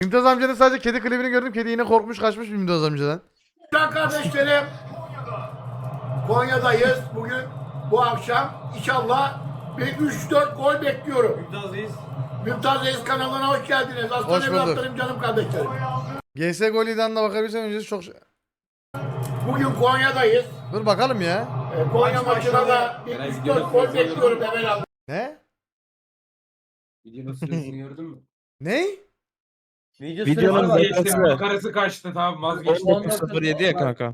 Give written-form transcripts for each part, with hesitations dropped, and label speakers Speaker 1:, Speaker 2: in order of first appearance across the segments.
Speaker 1: Mümtaz amcanın sadece kedi klibini gördüm. Kedi yine korkmuş kaçmış Mümtaz amcadan.
Speaker 2: Kardeşlerim, Konya'dayız bugün, bu akşam. İnşallah bir 3-4 gol bekliyorum.
Speaker 3: Mümtaz'dayız.
Speaker 2: Mümtaz Reis kanalına hoş geldiniz. Aslan
Speaker 1: Hoş bulduk.
Speaker 2: evlatlarım, canım kardeşlerim.
Speaker 1: GS Goli'den de bakabilirsen öncesi çok...
Speaker 2: Bugün Konya'dayız.
Speaker 1: Dur bakalım ya.
Speaker 2: Konya
Speaker 3: Maç
Speaker 2: maçına da
Speaker 3: başladı.
Speaker 2: bir
Speaker 3: Merak
Speaker 2: 3-4
Speaker 3: ediyorum.
Speaker 2: gol bekliyorum Emel abi.
Speaker 1: Ne?
Speaker 3: Videonun süresini gördün mü?
Speaker 1: Ne?
Speaker 4: Videonun
Speaker 3: Vazgeçti.
Speaker 4: dakikası
Speaker 3: Makarası kaçtı, tamam vazgeçti.
Speaker 4: 19.07 ya kanka.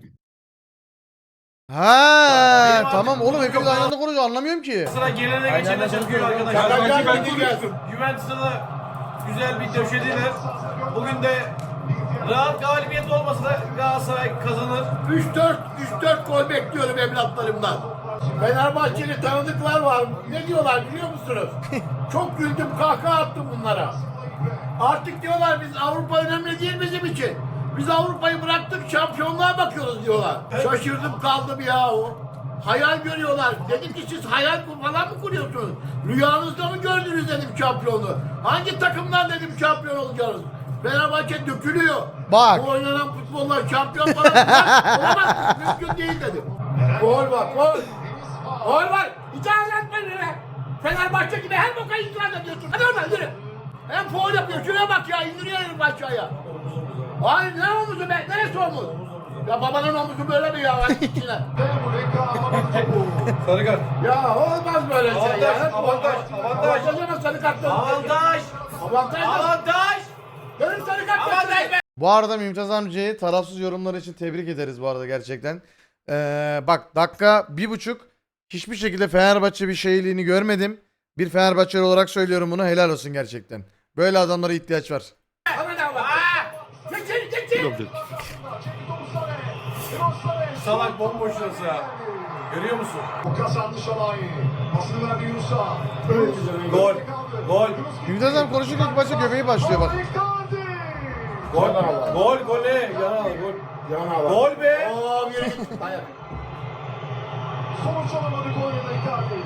Speaker 1: Ha
Speaker 3: Benim
Speaker 1: tamam
Speaker 3: artık
Speaker 1: oğlum hepimiz
Speaker 3: yok
Speaker 1: aynı
Speaker 3: ya.
Speaker 1: anda konuşuyor anlamıyorum ki.
Speaker 3: Sıra gelene
Speaker 4: Aynen,
Speaker 3: geçene
Speaker 4: ben
Speaker 3: çalışıyor
Speaker 4: çok
Speaker 3: arkadaşlar.
Speaker 2: Şaka
Speaker 3: Sanki ben
Speaker 2: yapma,
Speaker 3: konuştum. Juventus'a da güzel bir döşediler. Bugün de rahat galibiyet olmasa da Galatasaray kazanır.
Speaker 2: 3-4 gol bekliyorum evlatlarımdan. Fenerbahçeli tanıdıklar var. Ne diyorlar biliyor musunuz? Çok güldüm, kahkaha attım bunlara. Artık diyorlar biz Avrupa önemli değil bizim için. Biz Avrupa'yı bıraktık, şampiyonluğa bakıyoruz diyorlar. Şaşırdım kaldım ya o. Hayal görüyorlar. Dedim ki siz hayal falan mı kuruyorsunuz? Rüyanızda mı gördünüz dedim şampiyonluğu. Hangi takımdan dedim şampiyon olacağız? Fenerbahçe dökülüyor.
Speaker 1: Bak.
Speaker 2: Bu oynanan futbollar şampiyon falan olamaz. Mümkün değil dedim. Gol var, gol. Gol var. İtiraz etmeyin öyle. Fenerbahçe gibi her boka itiraz ediyorsun. Hadi oradan yürü. Hem foul yapıyor. Şuraya bak ya. İndiriyor herif aşağıya. Hayır ne omuzu be? Neresi omuz? Ya babanın omuzu böyle mi ya? Hadi içine.
Speaker 3: Sarı kart.
Speaker 2: Ya olmaz böyle şey
Speaker 3: Avantaj,
Speaker 2: ya.
Speaker 3: avantaj, avantaj.
Speaker 2: Avantaj ama sarı kart dönüyor.
Speaker 3: Avantaj.
Speaker 2: Avantaj.
Speaker 3: Avantaj.
Speaker 2: Dönüp sarı kart
Speaker 3: Avantaj
Speaker 2: dönüyor.
Speaker 3: be.
Speaker 1: Bu arada Mümtaz amcayı tarafsız yorumları için tebrik ederiz bu arada gerçekten. Bak dakika 1.5 hiçbir şekilde Fenerbahçe bir şeyliğini görmedim. Bir Fenerbahçeli olarak söylüyorum bunu, helal olsun gerçekten. Böyle adamlara ihtiyaç var.
Speaker 2: Hemen al bak. Çekil çekil.
Speaker 3: Salak bomboş şurası ya. Görüyor musun?
Speaker 5: Kazandı Şalay. Pasını verdi Yunus'a.
Speaker 3: Gol. Gol.
Speaker 1: Mümtaz amca konuşurken ilk başta göbeği başlıyor bak.
Speaker 3: Gol. Gol. Gol ne? Yana gol.
Speaker 2: Yana bak.
Speaker 3: Gol be.
Speaker 2: Oo yürü git. Dayak.
Speaker 5: Sonuç alamadı Konya'da Icardi.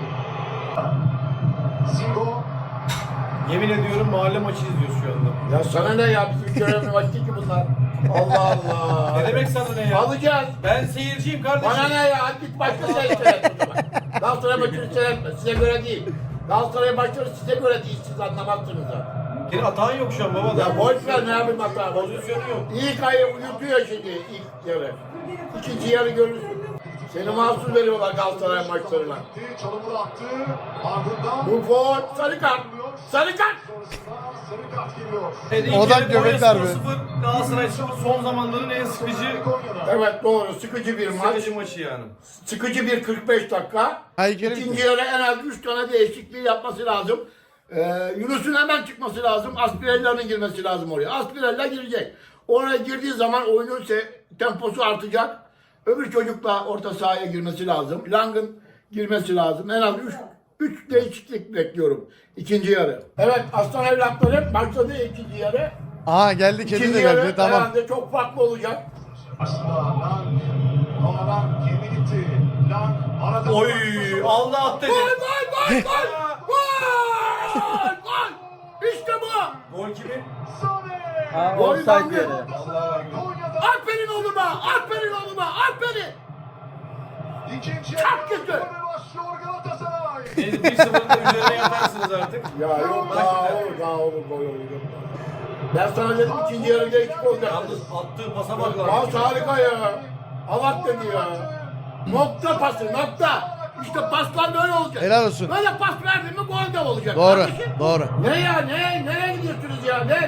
Speaker 5: Singo.
Speaker 3: Yemin ediyorum mahalle maçı izliyoruz şu anda.
Speaker 2: Ya sana ne ya? Bizim görevli vakti ki bunlar. Allah Allah.
Speaker 3: Ne demek sana ne ya?
Speaker 2: Alacağız.
Speaker 3: Ben seyirciyim kardeşim.
Speaker 2: Bana ne ya? Hadi git başka şey seyret o zaman. Galatasaray maçını seyretme. Size göre değil. Galatasaray maçları size göre değil. Siz anlamazsınız ha.
Speaker 3: Senin hatan yok şu an baba da.
Speaker 2: Ya boş ver ne yapayım hata.
Speaker 3: Pozisyonu yok.
Speaker 2: İlk ayı uyutuyor şimdi ilk yarı. İkinci yarı görürsün. Seni mahsus veriyorlar Galatasaray maçlarına.
Speaker 5: Çalımını attı. Ardından.
Speaker 2: Bu gol. Sarı kart. Sarı kart.
Speaker 5: Sarı kart geliyor.
Speaker 1: Odak göbek darbe.
Speaker 3: 0 Galatasaray 0 son zamanların en sıkıcı
Speaker 5: Konya'da.
Speaker 2: Evet doğru. Sıkıcı bir maç.
Speaker 3: sıkıcı maçı yani.
Speaker 2: Sıkıcı bir 45 dakika.
Speaker 1: Ay, kere
Speaker 2: İkinci
Speaker 1: bitti.
Speaker 2: yarı en az 3 tane değişikliği yapması lazım. Yunus'un hemen çıkması lazım. Aspirella'nın girmesi lazım oraya. Aspirella girecek. Oraya girdiği zaman oyunun temposu artacak. Öbür çocukla orta sahaya girmesi lazım. Lang'ın girmesi lazım. En az 3 değişiklik bekliyorum. İkinci yarı. Evet aslan evlatlarım başladı ikinci yarı.
Speaker 1: Aha geldi, kedi
Speaker 2: İkinci
Speaker 1: de
Speaker 2: yarı
Speaker 1: geldi, tamam.
Speaker 2: herhalde çok farklı olacak.
Speaker 5: Aslında Lang. Ama Lang kendi gitti. Lang arada.
Speaker 3: Oy Allah attı.
Speaker 2: Gol gol gol gol! Gol! Gol! İşte bu!
Speaker 3: Gol kimin?
Speaker 5: Sane.
Speaker 2: Gol Lang'ın.
Speaker 5: Konya'da.
Speaker 2: Aferin oğluma! Aferin oğluma! Aferin!
Speaker 5: İkinci
Speaker 2: Çok
Speaker 5: yarı
Speaker 2: kötü.
Speaker 5: gole başlıyor Galatasaray.
Speaker 3: 1-0'ın üzerine yatarsınız artık.
Speaker 2: Ya yok daha olur gol olur. Ben sana dedim ikinci yarı değişik olacak.
Speaker 3: Yalnız attığı pasa bak lan.
Speaker 2: Pas harika ya. Allah dedi ya. Nokta pası nokta. İşte paslar böyle olacak.
Speaker 1: Helal olsun.
Speaker 2: Böyle pas verdin mi gol de olacak.
Speaker 1: Doğru,
Speaker 2: Kardeşim.
Speaker 1: doğru.
Speaker 2: Ne ya ne? Nereye gidiyorsunuz ya? Ne?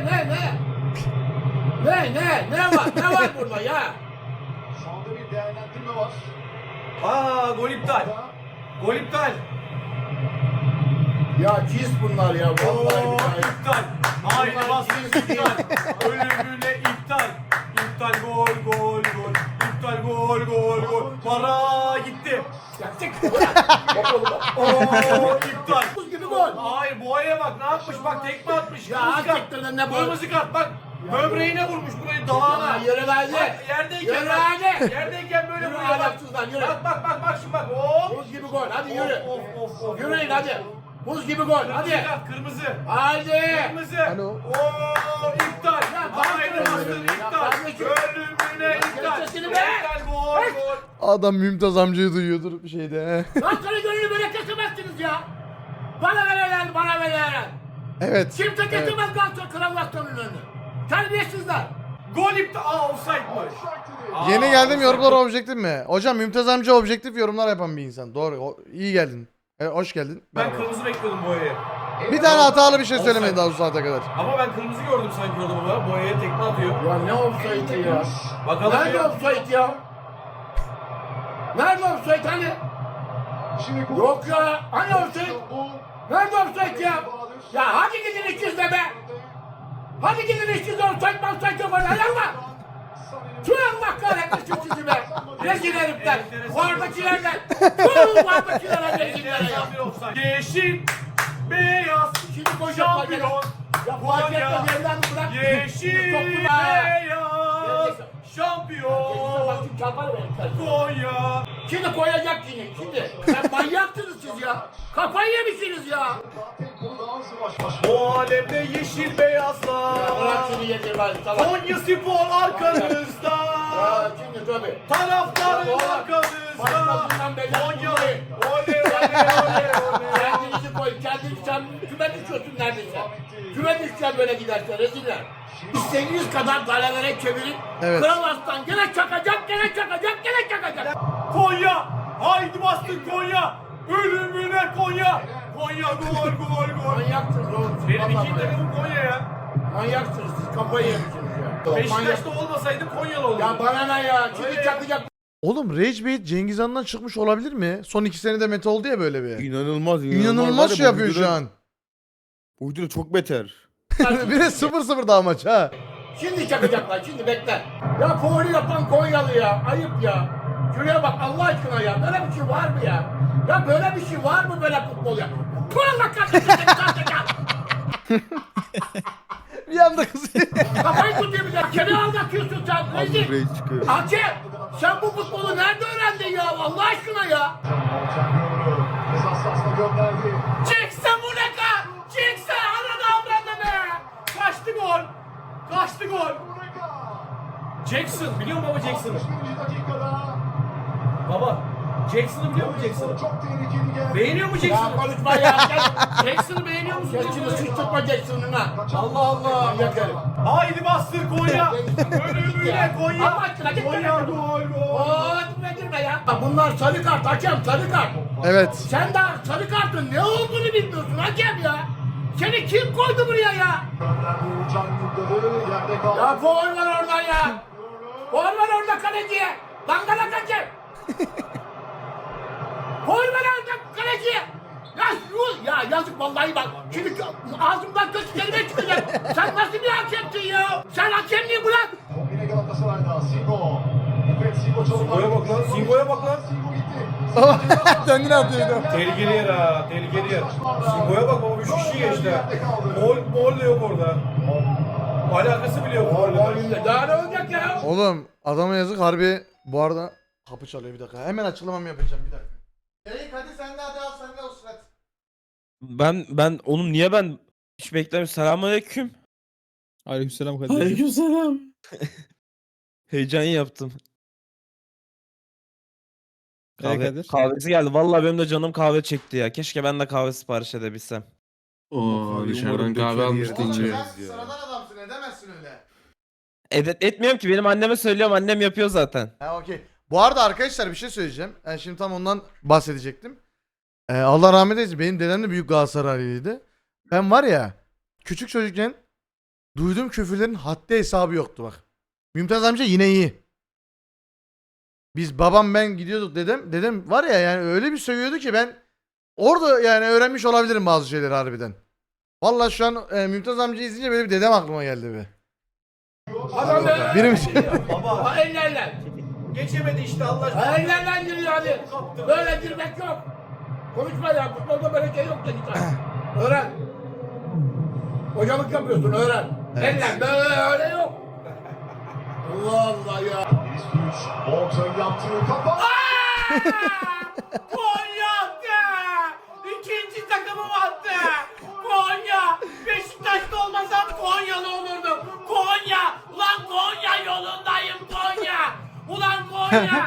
Speaker 2: Ne var? Ne var burada ya?
Speaker 5: Şu anda bir değerlendirme var.
Speaker 3: Gol iptal. Gol iptal.
Speaker 2: Ya cins bunlar ya. Vallahi
Speaker 3: Oo,
Speaker 2: billahi.
Speaker 3: iptal. Aynı baskı iptal. Ölümüne iptal. İptal gol. İptal gol. Para gitti.
Speaker 2: Ya çık. Bak oğlum bak.
Speaker 3: Oo iptal.
Speaker 2: Buz gibi gol.
Speaker 3: Hayır boğaya bak ne yapmış bak tekme atmış.
Speaker 2: Ya
Speaker 3: Kırmızı kart.
Speaker 2: hakikaten de ne bu?
Speaker 3: Kırmızı kart bak. Böbreğine vurmuş burayı dalağına.
Speaker 2: Ya yürü lan hadi.
Speaker 3: Bak, yerdeyken
Speaker 2: Yürü
Speaker 3: bak.
Speaker 2: hadi.
Speaker 3: Yerdeyken böyle
Speaker 2: Yürü
Speaker 3: vuruyor bak.
Speaker 2: alaksızlar, yürü.
Speaker 3: Bak şimdi bak. Hop.
Speaker 2: Buz gibi gol. Hadi yürü.
Speaker 3: Of.
Speaker 2: Yürüyün hadi. Buz gibi gol. Hadi.
Speaker 3: Kırmızı.
Speaker 2: Haydi.
Speaker 3: Kırmızı.
Speaker 1: Alo.
Speaker 3: Ooo iptal. Haydi bastır iptal. Ölümüne iptal.
Speaker 2: Sesini be.
Speaker 3: İptal gol.
Speaker 1: Adam Mümtaz amcayı duyuyordur bir şeyde.
Speaker 2: Galatasaray gönlünü böyle kesemezsiniz ya. Bana verirler, bana verirler.
Speaker 1: Evet.
Speaker 2: Kimse kesemez Galatasaray Kral Aslan'ın önünü. Terbiyesizler.
Speaker 3: Gol iptal. Aa offside'mış.
Speaker 1: Yeni geldim yorumlar objektif mi? Hocam Mümtaz amca objektif yorumlar yapan bir insan. Doğru. İyi geldin. Hoş geldin.
Speaker 3: Ben
Speaker 1: Merhaba.
Speaker 3: kırmızı bekliyordum boyayı.
Speaker 1: Bir tane hatalı bir şey söylemedi daha bu saate kadar.
Speaker 3: Ama ben kırmızı gördüm sanki orada baba. Boyaya tekme atıyor.
Speaker 2: Ya ne offside ya?
Speaker 3: Bakalım
Speaker 2: Nerede
Speaker 3: bir.
Speaker 2: offside ya? Nerede offside hani?
Speaker 5: Şimdi
Speaker 2: Yok ya. Hani offside? Nerede offside ya? Ya hadi gidin ikizle be. Hadi gidin ikizle offside yok orada. Yallah. Tüh Allah kahretmesin sizi be. Rezil herifler. Vardakilerden. Tüh vardakilere rezillere ya.
Speaker 3: Yeşil, beyaz,
Speaker 2: Şimdi koyacaklar gene.
Speaker 3: şampiyon.
Speaker 2: Ya fark etmez evladım bırak.
Speaker 3: Yeşil,
Speaker 2: Toplu be.
Speaker 3: beyaz, şampiyon.
Speaker 2: Bak şimdi çarparım herifler.
Speaker 3: Konya.
Speaker 2: Şimdi koyacak yine. Şimdi. Sen manyaksınız siz ya. Kafayı yemişsiniz ya.
Speaker 3: Bu alemde yeşil beyazlar.
Speaker 2: Bırak şunu yedir bari salak.
Speaker 3: Konya Spor arkanızda.
Speaker 2: Ya şimdi tabii.
Speaker 3: Taraftarın
Speaker 2: Oğlum,
Speaker 3: arkanızda.
Speaker 2: başkasından belli
Speaker 3: Konya.
Speaker 2: olmayın.
Speaker 3: Oley oley oley.
Speaker 2: Kendinizi koy. Kendinizi sen küme düşüyorsun neredeyse. Küme düşeceksin böyle giderse reziller. İstediğiniz kadar galelere çevirin.
Speaker 1: Evet.
Speaker 2: Kral Aslan gene çakacak, gene çakacak, gene çakacak.
Speaker 3: Konya. Haydi bastın Konya. Ölümüne Konya. Konya gol gol gol.
Speaker 2: Manyaksınız oğlum. siz,
Speaker 3: Benim
Speaker 2: vallahi
Speaker 3: ikinci takımım Konya ya.
Speaker 2: Manyaksınız siz. Kafayı yemişsiniz ya. Manyak.
Speaker 3: Beşiktaş'ta olmasaydı Konyalı olurdu.
Speaker 2: Ya bana ne ya? Şimdi
Speaker 3: Öyle.
Speaker 2: çakacak.
Speaker 1: Oğlum Rage Bait Cengiz Han'dan çıkmış olabilir mi? Son 2 senede meta oldu ya böyle bir.
Speaker 4: İnanılmaz.
Speaker 1: İnanılmaz şey yapıyor şu an.
Speaker 4: Bu video çok beter.
Speaker 1: Bir de 0-0 daha maç ha.
Speaker 2: Şimdi çakacaklar, şimdi bekle. Ya faulü yapan Konyalı ya, ayıp ya. Şuraya bak Allah aşkına ya, böyle bir şey var mı ya? Ya böyle bir şey var mı böyle futbol ya? Kur'an'la kalkacak.
Speaker 1: Bir anda kızıyor.
Speaker 2: Kafayı tutuyor bir de. Kene aldatıyorsun sen, rezil.
Speaker 4: Rage çıkıyor.
Speaker 2: Hakem, sen bu futbolu nerede öğrendin ya Allah aşkına ya? Çıksa bu ne ka? Çıksa ananı avradı be!
Speaker 3: Kaçtı gol. Kaçtı gol. Jackson biliyor musun baba Jackson'ı? Baba Jackson'ı biliyor musun Jackson'ı?
Speaker 5: Çok tehlikeli geldi.
Speaker 3: Beğeniyor mu
Speaker 2: Ya
Speaker 3: Jackson'ı?
Speaker 2: konuşma ya.
Speaker 3: Jackson'ı beğeniyor musun?
Speaker 2: Geçini sıçtırma Jackson'ına. Allah Allah. Yakarım.
Speaker 3: Haydi bastır Konya. Ölümüne Konya.
Speaker 2: Allah aşkına git
Speaker 3: Konya
Speaker 2: be.
Speaker 3: gol gol.
Speaker 2: Oo, nedir be ya? Bunlar sarı kart hakem, sarı kart.
Speaker 1: Evet.
Speaker 2: Sen daha sarı kartın ne olduğunu bilmiyorsun hakem ya. Seni kim koydu buraya ya? Ya faul var oradan ya. Faul var orada kaleciye. Dangalak hakem. Faul var orada kaleciye. Ya yuh ya yazık vallahi bak. Şimdi ağzımdan kötü kelime çıkacak. Sen nasıl bir hakemsin ya? Sen hakemliği bırak.
Speaker 5: Yine Galatasaray'da Singo.
Speaker 3: Singo'ya bak lan, Singo'ya bak lan.
Speaker 5: Singo gitti.
Speaker 1: Kendini atıyordu.
Speaker 3: Tehlikeli yer ha, tehlikeli yer. Singo'ya bak baba 3 kişi geçti. Gol de yok orada. Alakası bile yok golle.
Speaker 2: Daha ne olacak ya?
Speaker 1: Oğlum adama yazık harbi. Bu arada kapı çalıyor bir dakika. Hemen açıklamamı yapacağım bir dakika. Erik hadi sen de hadi al sen de olsun hadi.
Speaker 4: Ben oğlum niye ben hiç beklemiyorum. Selamünaleyküm.
Speaker 6: Aleykümselam kardeşim.
Speaker 4: Aleykümselam. Heyecan yaptım.
Speaker 6: Kadir?
Speaker 4: Kahvesi geldi. Vallahi benim de canım kahve çekti ya. Keşke ben de kahve sipariş edebilsem.
Speaker 7: Oo dışarıdan kahve almıştın
Speaker 1: Oğlum
Speaker 7: ya.
Speaker 1: sen sıradan adamsın edemezsin öyle.
Speaker 4: Etmiyorum ki benim anneme söylüyorum. Annem yapıyor zaten.
Speaker 1: Ha okey. Bu arada arkadaşlar bir şey söyleyeceğim. Yani şimdi tam ondan bahsedecektim. Allah rahmet eylesin. Benim dedem de büyük Galatasaraylıydı. Ben var ya küçük çocukken duyduğum küfürlerin haddi hesabı yoktu bak. Mümtaz amca yine iyi. Biz babam ben gidiyorduk dedem var ya yani öyle bir sövüyordu ki ben orada yani öğrenmiş olabilirim bazı şeyleri harbiden. Vallahi şu an Mümtaz amca izleyince böyle bir dedem aklıma geldi be.
Speaker 2: Adam be.
Speaker 1: Birim
Speaker 2: Baba ellerle.
Speaker 3: Geçemedi işte Allah aşkına.
Speaker 2: Ellerle giriyor hadi. Böyle girmek yok. Konuşma ya. Futbolda böyle şey yok dedi sen. Öğren. Hocalık yapıyorsun öğren.
Speaker 1: Evet.
Speaker 2: Eller böyle yok. Allah Allah ya.
Speaker 5: Orta yaptığı kafa.
Speaker 3: Konya attı. İkinci takımım attı.
Speaker 2: Konyalı olurdum. Konya. Ulan Konya yolundayım Konya. Ulan Konya.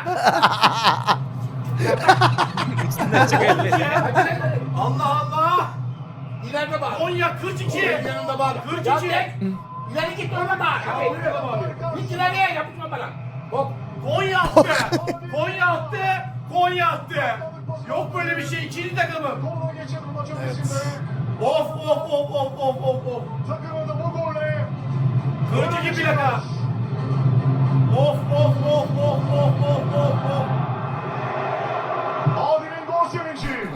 Speaker 2: Allah Allah. İleride bak. Konya 42. Yanında bak. 42. İleri git orada bak. Git ileriye yapışma bana. Hop. Konya attı. Konya attı. Konya attı. Yok böyle bir şey. İkinci takımım.
Speaker 5: Kola geçen maç öncesinde
Speaker 2: Of of of of of of of.
Speaker 5: takımı da bu golle
Speaker 2: 42 plaka. Of of of of of of of of.
Speaker 5: Adil'in gol sevinci.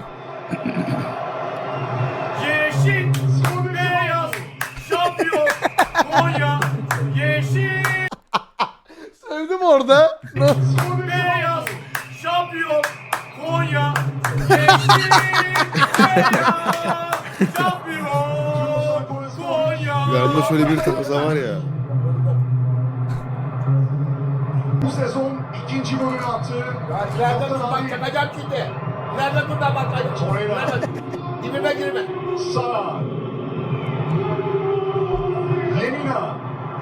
Speaker 2: Yeşil, beyaz, şampiyon, Konya, yeşil,
Speaker 1: Sevdim orada.
Speaker 2: beyaz, şampiyon, Konya, yeşil, beyaz, şampiyon, Konya.
Speaker 7: Yanında şöyle bir takısa var ya.
Speaker 5: Bu sezon ikinci golünü attı.
Speaker 2: İleride dur bak çakacağım şimdi. İleride dur da bak. İleride. Dibime girme.
Speaker 5: Sara. Lemina.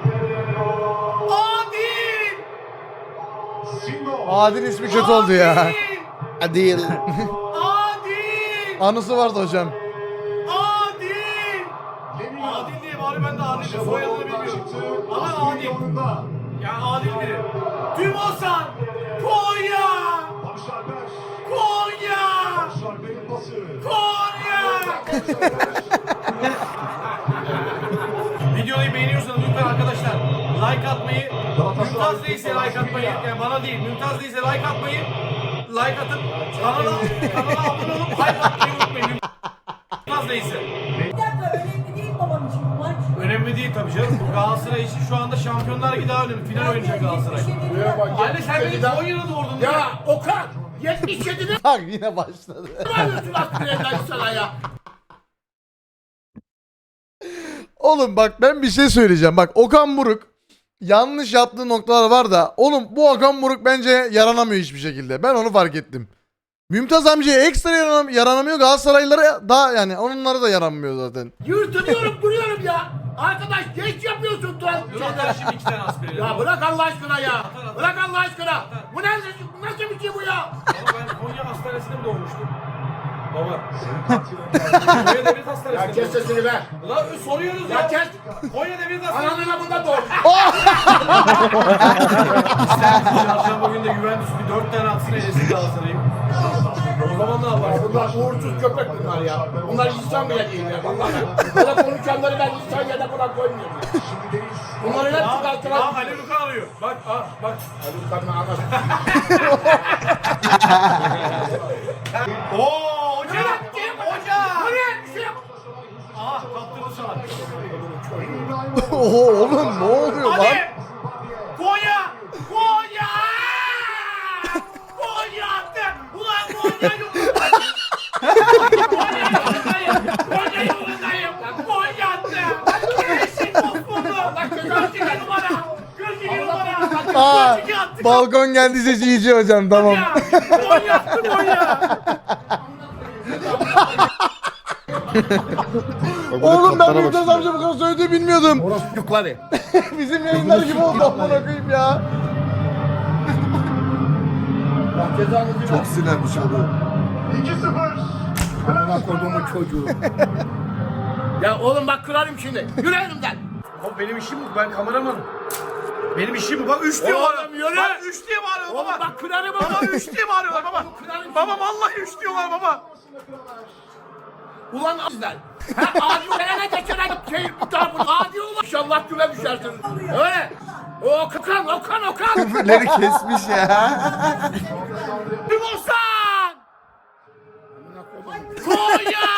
Speaker 2: Adil!
Speaker 5: Singo.
Speaker 1: Adil ismi kötü oldu ya.
Speaker 7: Adil.
Speaker 2: Adil!
Speaker 1: Anısı vardı hocam.
Speaker 2: Adil!
Speaker 5: Lemina.
Speaker 2: Adil diye bari ben de Adil'in soyadını bilmiyorum. Ama Adil.
Speaker 5: Yolunda.
Speaker 2: Ya Adil biri. Tümosan! Konya!
Speaker 5: Barış Alper.
Speaker 2: Konya!
Speaker 5: Barış Alper'in pası.
Speaker 2: Konya!
Speaker 5: Barış Alper.
Speaker 2: Videoyu beğeniyorsanız lütfen arkadaşlar like atmayı, Mümtaz değilse like atmayı, yani bana değil, Mümtaz değilse like atmayı, like atıp kanala abone olup hype atmayı unutmayın. Mümtaz değilse.
Speaker 8: Bir dakika önemli değil babam için bu maç.
Speaker 2: Önemli değil tabii canım. Bu Galatasaray için şu anda Şampiyonlar Ligi daha önemli. Final oynayacak Galatasaray. Anne sen beni Konya'da doğurdun. Ya Okan 77'de
Speaker 1: Bak yine başladı.
Speaker 2: varıyorsun aslında sana ya.
Speaker 1: Oğlum bak ben bir şey söyleyeceğim. Bak Okan Buruk yanlış yaptığı noktalar var da oğlum bu Okan Buruk bence yaranamıyor hiçbir şekilde. Ben onu fark ettim. Mümtaz amcaya ekstra yaranamıyor. Galatasaraylılara da yani onlara da yaranmıyor zaten.
Speaker 2: Yırtınıyorum duruyorum ya. Arkadaş geç yapıyorsun tuval. Şimdi 2 tane as veriyorum. Ya bırak Allah aşkına ya. Bırak Allah aşkına. Bu nasıl bir şey bu ya? Ama ben Konya hastanesinde mi doğmuştum? Baba. Konya Devlet Hastanesi'nde. Ya kes sesini be. Ulan soruyoruz ya. Ya kes. Konya Devlet Hastanesi'nde. Ananın bunda doğmuş. Çarşamba günü de Juventus bir 4 tane atsın eylesin Galatasaray'ı. O zaman ne yapar? Bunlar uğursuz köpek bunlar ya. Bunlar insan bile değil ya. Vallahi. Böyle konuşanları ben insan yerine buna koymuyorum ya. Bunları hep çıkarttılar. Ali Luka arıyor. Bak bak. Ali Luka'nın anası. Ooo hoca. Hoca. Bu ne? Bir şey yap. Aha kaptırdı sana.
Speaker 1: Oho oğlum ne oluyor lan?
Speaker 2: Hadi. Konya. Konya. Konya attı. Ulan Konya yolundayım. Konya yolundayım. Konya yolundayım. Konya attı. Yeşil bozuldu. 42 numara. 42 numara.
Speaker 1: Aa,
Speaker 2: 42 attı.
Speaker 1: balkon geldi sesi iyice hocam tamam.
Speaker 2: Konya attı Konya.
Speaker 1: Oğlum ben Mümtaz amca bu kadar söylediğini bilmiyordum.
Speaker 2: Çocukları.
Speaker 1: Bizim yayınlar gibi oldu amına koyayım ya.
Speaker 7: Çok sinirlenmiş oldu.
Speaker 5: 2-0.
Speaker 2: Amına koyduğumun çocuğu. Ya oğlum bak kırarım şimdi. Yürü elimden. Oğlum benim işim bu. Ben kameramanım. Benim işim bu. Bak 3 diye bağırıyor. Bak 3 diye bağırıyor baba. Oğlum bak kırarım baba. Baba 3 diye bağırıyorlar baba. Baba vallahi 3 diyorlar baba. Ulan sizler. Ha adi olana geçene şey adi olur. İnşallah güve düşersiniz. Öyle. Okan.
Speaker 7: Küfürleri kesmiş ya.
Speaker 2: Timosan! Konya!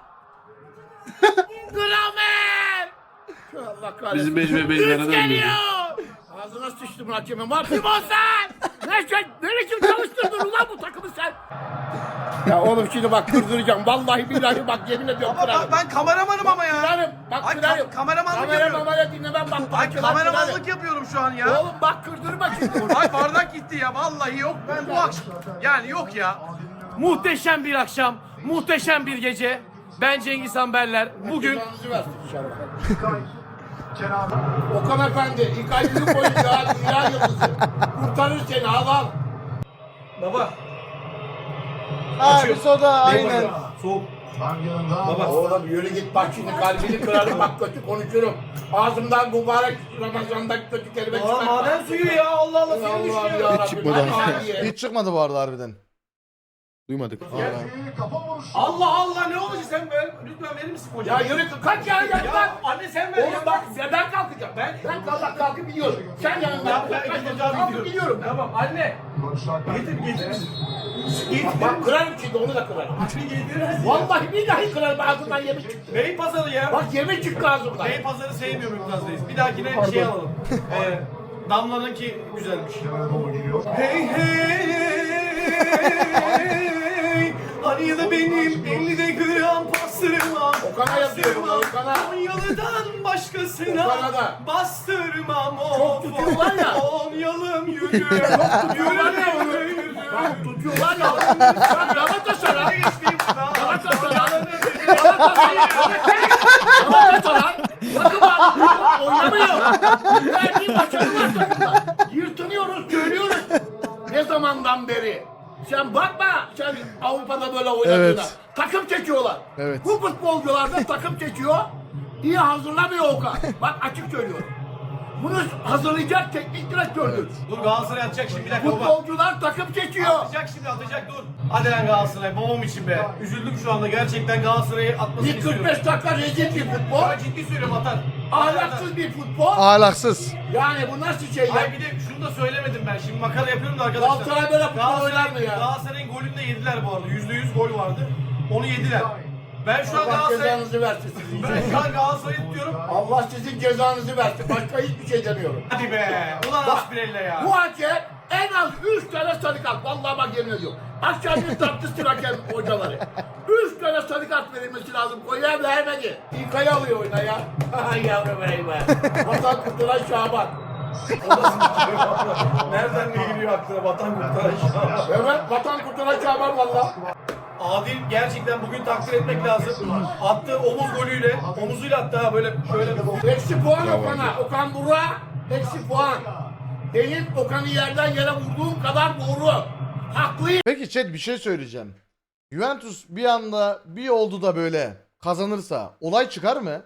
Speaker 2: Gramer! Allah kahretsin.
Speaker 7: Bizim 5 ve 5
Speaker 2: Üç
Speaker 7: beraber
Speaker 2: geliyor!
Speaker 7: oynuyor.
Speaker 2: Ağzına sıçtım hakemin var. Timosan! Ne biçim çalıştırdın ulan bu takımı sen? Ya oğlum şimdi bak kırdıracağım. Vallahi billahi bak yemin ediyorum kırarım.
Speaker 9: Ben kameramanım ama ya.
Speaker 2: Kırarım. Bak
Speaker 9: Ay,
Speaker 2: kırarım.
Speaker 9: kameramanlık yapıyorum.
Speaker 2: Kameramanlık dinlemem bak.
Speaker 9: Ay
Speaker 2: kırarım.
Speaker 9: kameramanlık yapıyorum şu an ya.
Speaker 2: Oğlum bak kırdırma şimdi.
Speaker 9: Ay bardak gitti ya vallahi yok. Ben bu akşam yani yok ya.
Speaker 10: Muhteşem bir akşam, muhteşem bir gece. Ben Cengiz Amberler. Bugün
Speaker 2: Cezanızı versin inşallah.
Speaker 5: Kenan.
Speaker 2: Okan Efendi, İlkay Büyükboy dünya yıldızı. Kurtarır seni, al.
Speaker 3: Baba.
Speaker 1: Abi soda aynen.
Speaker 3: Soğuk.
Speaker 5: Van yanında.
Speaker 3: Baba.
Speaker 2: Oğlum yürü git bak şimdi kalbini kırarım bak kötü konuşurum. Ağzımdan mübarek Ramazan'da kötü kelime
Speaker 3: Aa,
Speaker 2: çıkartma.
Speaker 3: maden suyu ya Allah Allah seni
Speaker 2: Allah'ım
Speaker 3: düşünüyor.
Speaker 2: yarabbim.
Speaker 7: Hiç çıkmadı
Speaker 2: Hadi.
Speaker 1: Hiç çıkmadı bu arada harbiden.
Speaker 7: Duymadık.
Speaker 5: Geldi, kafa vuruşu.
Speaker 3: Allah Allah ne olacak sen böyle? Lütfen verir misin
Speaker 2: Ya
Speaker 3: kocam?
Speaker 2: yürü kaç ya
Speaker 3: Ya
Speaker 2: yanından.
Speaker 3: anne sen ver
Speaker 2: Oğlum
Speaker 3: ya.
Speaker 2: bak ya ben kalkacağım. Ben kalkıp gidiyorum. Sen yanından.
Speaker 3: Ya ben ikinci abi
Speaker 2: Kalkıp gidiyorum.
Speaker 3: Tamam anne.
Speaker 5: Barış Alper.
Speaker 3: Getir.
Speaker 2: Bak kırarım şimdi onu da kırarım.
Speaker 3: Anne getirir misin?
Speaker 2: Vallahi billahi kırarım ağzımdan yemin çıktı.
Speaker 3: Bey pazarı ya.
Speaker 2: Bak yemin çıktı ağzımdan.
Speaker 3: Bey pazarı sevmiyorum Mümtaz Reis. Bir dahakine şey alalım. Damla'nınki güzelmiş.
Speaker 5: Kenara doğru geliyor.
Speaker 3: Hey hani da benim 50'de gram pastırma.
Speaker 2: Okan'a yazıyorum, Okan'a.
Speaker 3: Konyalı'dan başkasına
Speaker 2: Okan'a da.
Speaker 3: bastırmam.
Speaker 2: Çok tutuyorlar ya.
Speaker 3: Konyalım yürü.
Speaker 2: tutuyorlar ya. Bak tutuyorlar ya. Bak Galatasaray. Galatasaray takım halinde oynamıyor. Verdiği başarı var takımda. Yırtınıyoruz, söylüyoruz. Ne zamandan beri? Sen bakma, sen Avrupa'da böyle oynadığına.
Speaker 1: Evet.
Speaker 2: Takım çekiyorlar.
Speaker 1: Evet.
Speaker 2: Bu futbolcular da takım çekiyor. İyi hazırlamıyor Okan. Bak açık söylüyorum. Bunu hazırlayacak teknik direktördür.
Speaker 3: Dur Galatasaray atacak şimdi bir dakika baba.
Speaker 2: Futbolcular takım çekiyor.
Speaker 3: Atacak şimdi atacak dur. Hadi lan Galatasaray babam için be. Üzüldüm şu anda gerçekten Galatasaray'ı atmasını
Speaker 2: İlk
Speaker 3: istiyorum.
Speaker 2: 45 dakika rezil bir futbol.
Speaker 3: Ya ciddi söylüyorum atar.
Speaker 2: Ahlaksız bir futbol.
Speaker 1: Ahlaksız.
Speaker 2: Yani bu nasıl şey ya?
Speaker 3: Ay bir de şunu da söylemedim ben. Şimdi makara yapıyorum da arkadaşlar.
Speaker 2: Galatasaray böyle futbol oynar mı ya?
Speaker 3: Galatasaray'ın golünü de yediler bu arada. %100 gol vardı. Onu yediler. Ben şu an
Speaker 2: Allah
Speaker 3: Galatasaray...
Speaker 2: cezanızı versin sizin.
Speaker 3: Ben şu an Galatasaray'ı tutuyorum.
Speaker 2: Allah sizin cezanızı versin. Başka hiçbir şey demiyorum.
Speaker 3: Hadi be. Ulan Aspirella ya.
Speaker 2: Bu hakem en az 3 tane sarı kart. Vallahi bak yemin ediyorum. Akşam bir tartıştır hakem hocaları. 3 tane sarı kart verilmesi lazım. Koyar vermedi. İlkay'ı alıyor oyuna ya. Ay yavrum be. Vatan kurtulan Şaban.
Speaker 3: Nereden ne geliyor aklına vatan kurtaran
Speaker 2: Evet vatan kurtulan Şaban valla.
Speaker 3: Adil gerçekten bugün takdir etmek lazım. Attığı omuz golüyle, omuzuyla attı ha böyle şöyle.
Speaker 2: Eksi puan Okan'a. Okan Burak'a eksi puan. Benim Okan'ı yerden yere vurduğum kadar doğru. Haklıyım.
Speaker 1: Peki chat bir şey söyleyeceğim. Juventus bir anda bir oldu da böyle kazanırsa olay çıkar mı?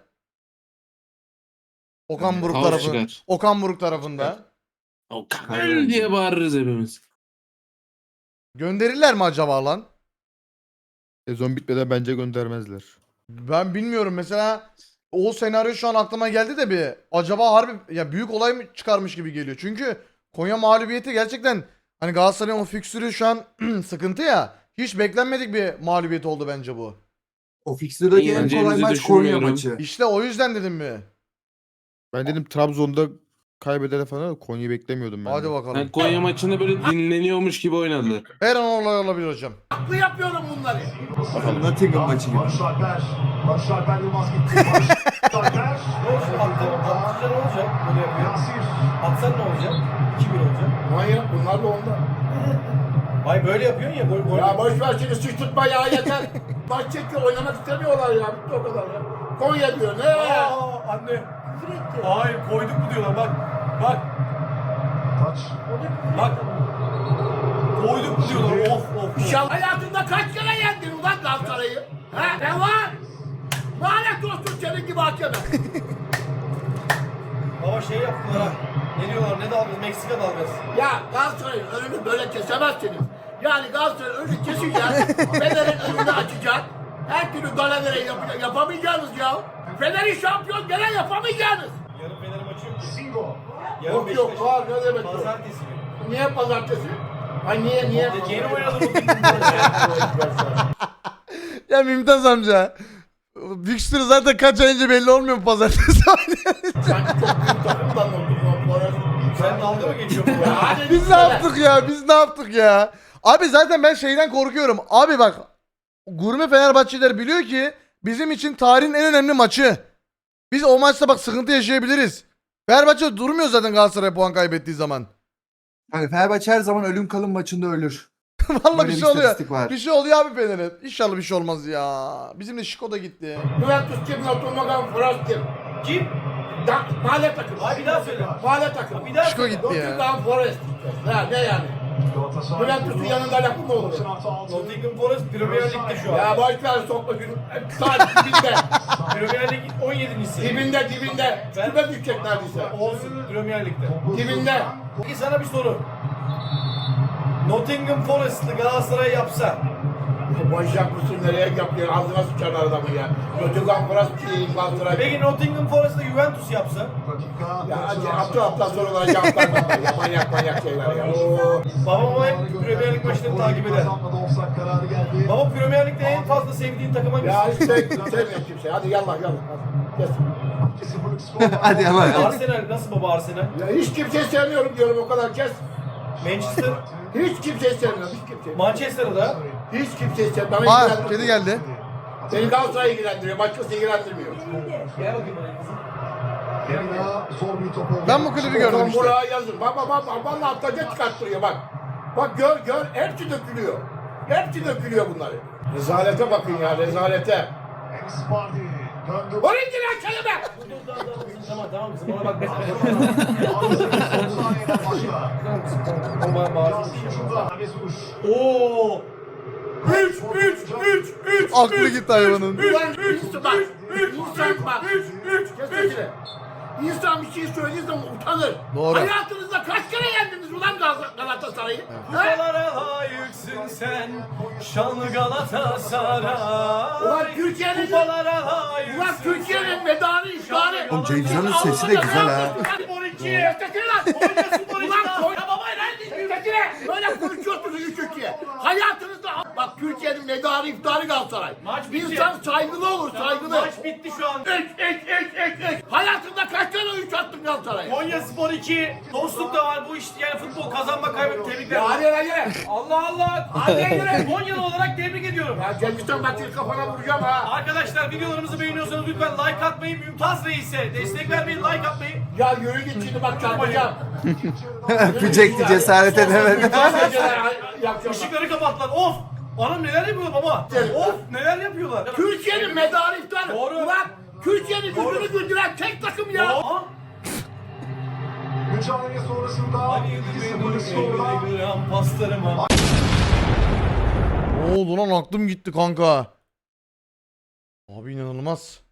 Speaker 1: Okan Buruk
Speaker 11: Kaos
Speaker 1: tarafı.
Speaker 11: çıkar.
Speaker 1: Okan Buruk tarafında.
Speaker 11: O kadar diye bağırırız hepimiz.
Speaker 1: Gönderirler mi acaba lan?
Speaker 7: Sezon bitmeden bence göndermezler.
Speaker 1: Ben bilmiyorum mesela o senaryo şu an aklıma geldi de bir acaba harbi ya büyük olay mı çıkarmış gibi geliyor. Çünkü Konya mağlubiyeti gerçekten hani Galatasaray'ın o fikstürü şu an sıkıntı ya. Hiç beklenmedik bir mağlubiyet oldu bence bu.
Speaker 7: O fikstürdeki
Speaker 11: en kolay maç Konya maçı.
Speaker 1: İşte o yüzden dedim mi?
Speaker 7: Ben dedim Trabzon'da kaybeder falan Konya'yı beklemiyordum ben.
Speaker 1: Hadi
Speaker 7: de.
Speaker 1: bakalım.
Speaker 11: Yani Konya maçında böyle dinleniyormuş gibi oynadılar.
Speaker 1: Her an olay olabilir hocam.
Speaker 2: Haklı yapıyorum bunları.
Speaker 7: Bakalım Nottingham maçı gibi.
Speaker 5: Barış Alper. Barış Alper Yılmaz gitti. Barış Alper.
Speaker 3: Atsan ne olacak? Böyle yapıyor.
Speaker 5: Yasir.
Speaker 3: Atsan ne olacak? 2-1 olacak.
Speaker 2: Manyak bunlar da onda.
Speaker 3: Ay böyle yapıyorsun ya gol
Speaker 2: Ya boş ver şimdi sıçtırtma ya yeter. Maç çekiyor oynamak istemiyorlar ya. Bitti o kadar ya. Konya diyor ne?
Speaker 3: Aa anne. Hayır koyduk mu diyorlar bak. Bak.
Speaker 5: Taç.
Speaker 3: Bak. Koyduk mu diyorlar. Of.
Speaker 2: İnşallah hayatında kaç kere yendin ulan Galatasaray'ı? Ha ne var? Lanet olsun senin gibi hakeme.
Speaker 3: Baba şey yaptılar ha. Ne diyorlar ne dalgası? Meksika dalgası.
Speaker 2: Ya Galatasaray'ın önünü böyle kesemezsiniz. Yani Galatasaray'ın önünü keseceğiz. Fener'in önünü açacak. Her türlü galavere yapamayacağınız ya. Fener'i şampiyon gene yapamayacağınız.
Speaker 3: Yarın Fener maçı yok ki.
Speaker 5: Singo.
Speaker 3: Yarın
Speaker 2: Yok yok
Speaker 3: Beşiktaş.
Speaker 2: var ne demek yok.
Speaker 3: Pazartesi günü.
Speaker 2: Niye pazartesi? Ay niye?
Speaker 3: Yeni oynadı bugün.
Speaker 1: Ya Mümtaz amca. Fixture zaten kaç ay önce belli olmuyor mu pazartesi?
Speaker 2: Sanki çok büyük takımdan olduk bu arada.
Speaker 3: Sen dalga mı geçiyorsun?
Speaker 2: Ya hadi
Speaker 1: Biz ne yaptık ya? Biz ne yaptık ya? Abi zaten ben şeyden korkuyorum. Abi bak gurme Fenerbahçeliler biliyor ki bizim için tarihin en önemli maçı. Biz o maçta bak sıkıntı yaşayabiliriz. Fenerbahçe durmuyor zaten Galatasaray puan kaybettiği zaman.
Speaker 7: Yani Fenerbahçe her zaman ölüm kalım maçında ölür.
Speaker 1: Vallahi
Speaker 7: Böyle
Speaker 1: bir
Speaker 7: bir
Speaker 1: şey oluyor.
Speaker 7: istatistik var.
Speaker 1: Bir şey oluyor abi Fener'e. İnşallah bir şey olmaz ya. Bizim de Şiko da gitti.
Speaker 2: Juventus kim? Otomogan Frans kim?
Speaker 3: Kim?
Speaker 2: Mahalle takımı.
Speaker 3: Abi bir daha söyle.
Speaker 2: Mahalle takımı.
Speaker 3: Bir daha
Speaker 1: Şiko gitti ya.
Speaker 2: Nottingham Forest. Ha, ne yani? Juventus'un yanında lafı mı olur?
Speaker 3: Nottingham Forest Premier Lig'de şu an.
Speaker 2: Ya boşver sokma günü. Sadece dibinde.
Speaker 3: Premier Lig 17.si.
Speaker 2: Dibinde. Küme düşecek neredeyse.
Speaker 3: Olsun Premier Lig'de.
Speaker 2: Dibinde.
Speaker 3: Peki sana bir soru. Nottingham Forest'lı Galatasaray yapsa
Speaker 2: Manyak mısın nereye yapıyor? Ağzına sıçar adamı ya. Nottingham Forest değil Galatasaray.
Speaker 3: peki Nottingham Forest'la Juventus yapsa?
Speaker 2: Ya hafta sorulara cevap vermem. Ya manyak şeyler ya. Oo.
Speaker 3: Babam hep Premier Lig maçlarını takip eder. Baba Premier Lig'de en fazla sevdiğin takıma
Speaker 2: Ya
Speaker 3: gitsin.
Speaker 2: hiç sevmiyorum kimse. Hadi yallah. Hadi. Kes.
Speaker 7: Hadi ama.
Speaker 3: Arsenal nasıl baba Arsenal?
Speaker 2: Ya hiç kimseyi sevmiyorum diyorum o kadar kes.
Speaker 3: Manchester,
Speaker 2: Hiç kimseyi sevmiyorum. Hiç kimseyi.
Speaker 3: Manchester'da
Speaker 2: Hiç kimseyi sevmiyorum.
Speaker 1: Aa kedi geldi.
Speaker 2: Beni Galatasaray ilgilendiriyor. Başkası ilgilendirmiyor.
Speaker 3: gel bakayım bana kızım.
Speaker 1: Ben bu klibi gördüm işte.
Speaker 2: Buraya yazın. Bak vallahi atlaca çıkarttırıyor bak. Bak gör hepsi dökülüyor. Hepsi dökülüyor bunları. Rezalete bakın ya rezalete. Oraya giren kelime.
Speaker 3: Tamam kızım ona bak. Oo! 3
Speaker 1: Aklı gitti hayvanın.
Speaker 2: Ulan insan bak. Kes sesini. İnsan bir şey söylediği zaman utanır.
Speaker 1: Doğru.
Speaker 2: Hayatınızda kaç kere yendiniz ulan Galatasaray'ı? Ha?
Speaker 3: Kupalara layıksın sen şanlı Galatasaray.
Speaker 2: Ulan Türkiye'nin
Speaker 3: Kupalara layıksın.
Speaker 2: Ulan Türkiye'nin medarı iftarı.
Speaker 11: Oğlum Cengizhan'ın sesi de güzel ha.
Speaker 2: Spor 2. Ulan koy. Ya baba neredesin? Tekine. Böyle konuşuyorsunuz 3-2'ye. Hayatınızda bak Türkiye'nin medarı iftarı Galatasaray.
Speaker 3: Maç bitti.
Speaker 2: İnsan saygılı olur saygılı.
Speaker 3: Maç bitti şu an.
Speaker 2: Hayatında kaç tane 3 attın Galatasaray'a?
Speaker 3: Konya Spor 2. Dostluk da var bu iş yani futbol kazanma kaybetme tebrikler.
Speaker 2: Ya hadi.
Speaker 3: Allah Allah.
Speaker 2: Hadi yürü.
Speaker 3: Konyalı olarak tebrik ediyorum.
Speaker 2: Ya Cengizhan bak seni kafana vuracağım ha.
Speaker 3: Arkadaşlar videolarımızı beğeniyorsanız lütfen like atmayı, Mümtaz Reis'e destek vermeyi, like atmayı.
Speaker 2: Ya yürü git şimdi bak çarpacağım.
Speaker 7: Öpecekti cesaret edemedi.
Speaker 3: Işıkları kapattılar. Of! Anam neler yapıyorlar baba? Of! Neler yapıyorlar?
Speaker 2: Türkiye'nin medarı iftarı.
Speaker 3: Doğru.
Speaker 2: Ulan Türkiye'nin yüzünü güldüren tek takım ya.
Speaker 3: Aa!
Speaker 5: Mücadele sonrasında
Speaker 3: Hadi
Speaker 5: 2-0 skorla
Speaker 3: gram paslarıma.
Speaker 1: Ne oldu lan aklım gitti kanka. Abi inanılmaz.